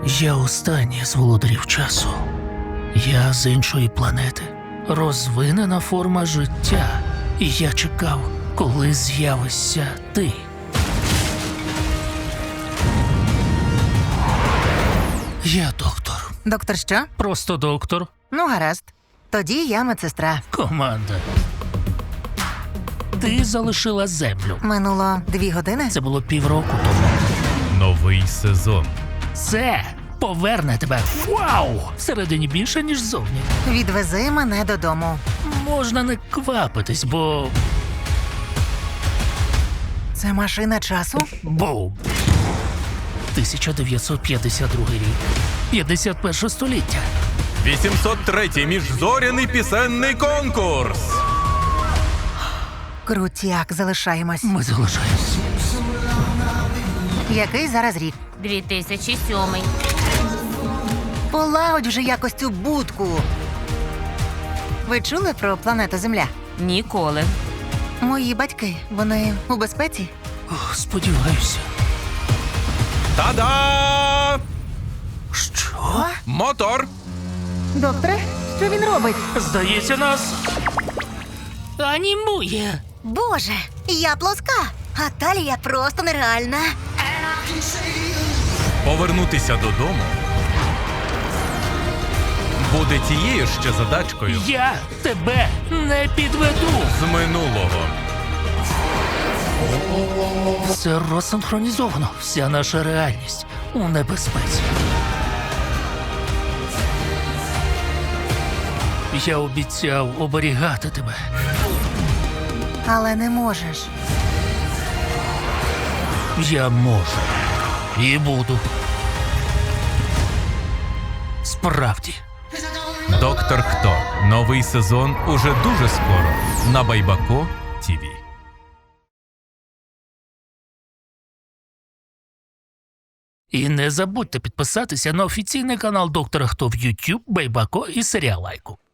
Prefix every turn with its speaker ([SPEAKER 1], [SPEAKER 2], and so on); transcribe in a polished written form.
[SPEAKER 1] Я останній з володарів часу. Я з іншої планети. Розвинена форма життя. І я чекав, коли з'явишся ти. Я доктор.
[SPEAKER 2] Доктор що?
[SPEAKER 1] Просто доктор.
[SPEAKER 2] Ну, гаразд. Тоді я медсестра.
[SPEAKER 1] Команда. Ти залишила землю.
[SPEAKER 2] Минуло 2 години.
[SPEAKER 1] Це було півроку тому.
[SPEAKER 3] Новий сезон.
[SPEAKER 1] Це поверне тебе. Вау! Всередині більше, ніж зовні.
[SPEAKER 2] Відвези мене додому.
[SPEAKER 1] Можна не квапитись, бо...
[SPEAKER 2] Це машина часу?
[SPEAKER 1] Бум! 1952 рік. 51 століття.
[SPEAKER 3] 803-й міжзоряний пісенний конкурс.
[SPEAKER 2] Крутяк, залишаємось.
[SPEAKER 1] Ми залишаємось.
[SPEAKER 2] Який зараз рік?
[SPEAKER 4] 2007.
[SPEAKER 2] Полагодь вже якось цю будку. Ви чули про планету Земля?
[SPEAKER 4] Ніколи.
[SPEAKER 2] Мої батьки, вони у безпеці?
[SPEAKER 1] Ох, сподіваюся.
[SPEAKER 3] Та-да!
[SPEAKER 1] Що?
[SPEAKER 3] Мотор!
[SPEAKER 2] Докторе, що він робить?
[SPEAKER 1] Здається, нас... анімує.
[SPEAKER 2] Боже, я плоска, а талія просто нереальна.
[SPEAKER 3] Повернутися додому буде тією ще задачкою
[SPEAKER 1] Я тебе не підведу.
[SPEAKER 3] з минулого.
[SPEAKER 1] Все розсинхронізовано. Вся наша реальність у небезпеці. Я обіцяв оберігати тебе.
[SPEAKER 2] Але не можеш.
[SPEAKER 1] Я можу. І буду. Справді.
[SPEAKER 3] Доктор Хто. Новий сезон уже дуже скоро на Байбако ТІВІ.
[SPEAKER 1] І не забудьте підписатися на офіційний канал Доктора Хто в YouTube, Байбако і Серіалайку.